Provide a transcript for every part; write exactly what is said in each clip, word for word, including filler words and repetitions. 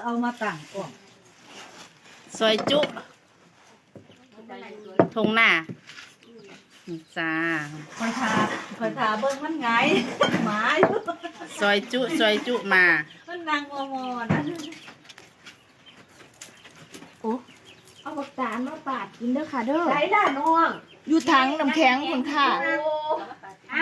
เอามาตั้งก่อนซอยจุทงหน้าจ้าคอยทาคอยทาเบิ้งมันไงหมาซอยจุซอยจุมามันนางมอมอนะโอ้เอาบักตาลมาปาดกินเด้อค่ะเด้อใช้ด้านน้องอยู่ถังน้ำแข็งคุณค่ะอ่ะ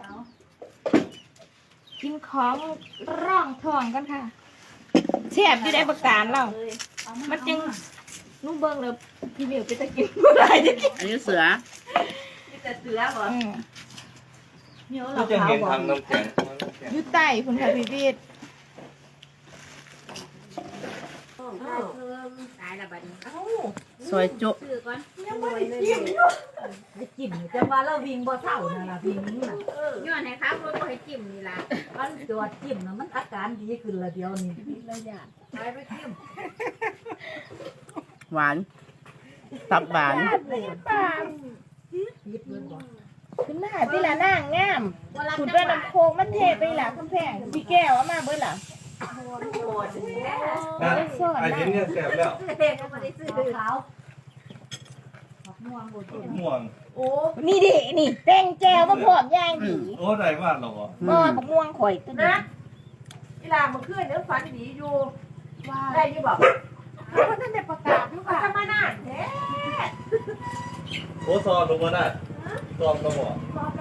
กินของร่องท้องกันค่ะแซ่บอยู่ได้บักตาลเรามันจึงนุ่มเบิ่งแล้วพี่เหมียวไปตะกินเมื่อไรจะกินอันนี้เสือมีแต่เสือบ่อืมเหนียวก็เราจะขาวเห็นบ่ทางน้ำแข็งอยู่ใต้คุณค่ะพี่วีดตายละบัดนี้เอ้าซอยจุซื้อก่อนยังไม่ได้จิ้มอยู่ไปจิ้มจะว่าเราวิ่งบ่เท่านั่นล่ะวิ่งน่ะย้อนให้ครับรถบ่ให้จิ้มนี่ล่ะมันจอดจิ้มน่ะมันอาการดีขึ้นละเดียวนี่ระยะไปไปจิ้มหวานตับหวานปายิบเงินบ่ขึ้นมาพี่ละนางงามคุณด้วยน้ำโคกมันเทไปละคำแพงพี่แก้วเอามาเบิ่ล่ะโอ้ยแหไอ้เห็นเนี่ยแสบแล้วเด็กก็บ่ได้ซื้อขาวดอกม่วงบ่ต้นม่วงโอ้นี่ดินี่แป้งแก้วมาพร้อมย่างดีโอ้ได้มากหรอบ่บักม่วงข่อยตัวนี้นะเวลาเมื่อคืนเดี๋ยวฝันดีอยู่ว่าได้อยู่บ่เพราะท่านได้ประกาศอยู่ว่าทำมานานแท้โอ้ซอนลงมาได้ซอนกระบอกบอก